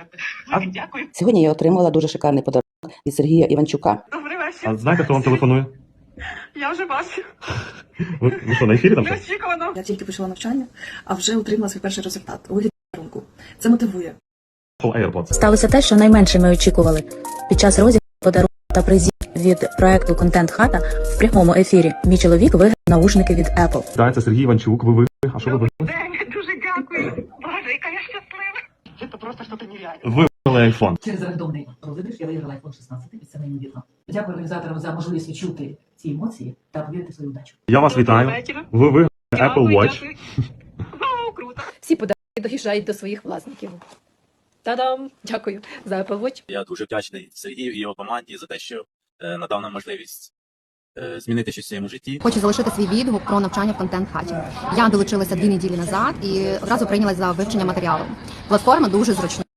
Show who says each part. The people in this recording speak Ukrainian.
Speaker 1: Дякую.
Speaker 2: Сьогодні я отримала дуже шикарний подарунок від Сергія Іванчука.
Speaker 1: Добрий вечір.
Speaker 3: А знаєте, хто вам телефонує?
Speaker 1: Я вже бачу.
Speaker 3: Ви що, на ефірі там? щось?
Speaker 1: Неочікувано.
Speaker 4: Я тільки почала навчання, а вже отримала свій перший результат у вигляді подарунку. Це мотивує.
Speaker 3: Apple AirPods.
Speaker 5: Сталося те, що найменше ми очікували. Під час розіграшу подарунків та призів від проекту «Контент Хата» в прямому ефірі мій чоловік виграв наушники від Apple.
Speaker 3: Так, це Сергій Іванчук, ви виграли. А що ви виграли?
Speaker 1: День, дуже дякую. Боже, яка я щаслива. Це просто щось нереальне.
Speaker 3: Ви виграли iPhone.
Speaker 6: Через рандомний розіграш я виграла iPhone 16, і це неймовірно. Дякую організаторам за можливість відчути ці емоції та повірити в свою удачу.
Speaker 3: Я вас вітаю. Ви виграли Apple Watch.
Speaker 1: Вау, круто.
Speaker 7: Всі подарунки доїжджають до своїх власників. Та-дам! Дякую за Apple Watch.
Speaker 8: Я дуже вдячний Сергію і його команді за те, що надав нам можливість змінити щось в своєму житті.
Speaker 9: Хочу залишити свій відгук про навчання в контент-хаті. Я долучилася 2 неділі назад і одразу прийнялась за вивчення матеріалу. Платформа дуже зручна.